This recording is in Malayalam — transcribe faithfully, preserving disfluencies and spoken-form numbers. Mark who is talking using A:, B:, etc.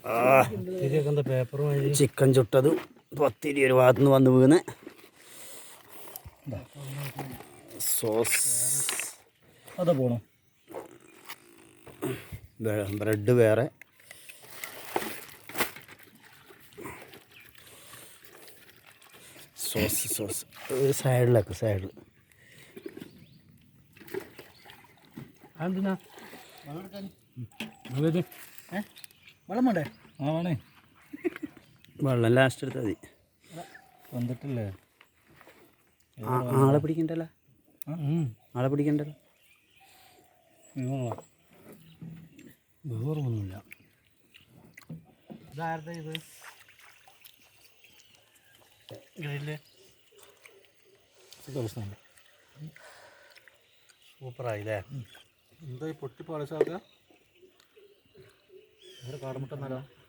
A: ചിക്കൻ ചുട്ടതും പത്തിരി ഒരു ഭാഗത്തു നിന്ന് വന്ന് വീണ് സോസ്
B: അതാ പോണോ
A: ബ്രെഡ് വേറെ സോസ് സോസ് സൈഡിലൊക്കെ സൈഡിൽ
B: അതെന്തിനാ വെള്ളം വേണ്ടേ ആ വേണേ
A: വെള്ളം ലാസ്റ്റ് എടുത്താൽ മതി
B: വന്നിട്ടില്ലേ
A: ആളെ പിടിക്കണ്ടല്ലോ ആളെ പിടിക്കണ്ടല്ലോ
B: വേറൊന്നുമില്ല ഇതാരുടെ ഇത് ഗ്രില്ല് സൂപ്പറായില്ലേ എന്താ ഈ പൊട്ടി പാളിച്ചാക്കുക കാടമുട്ട എന്നാലോ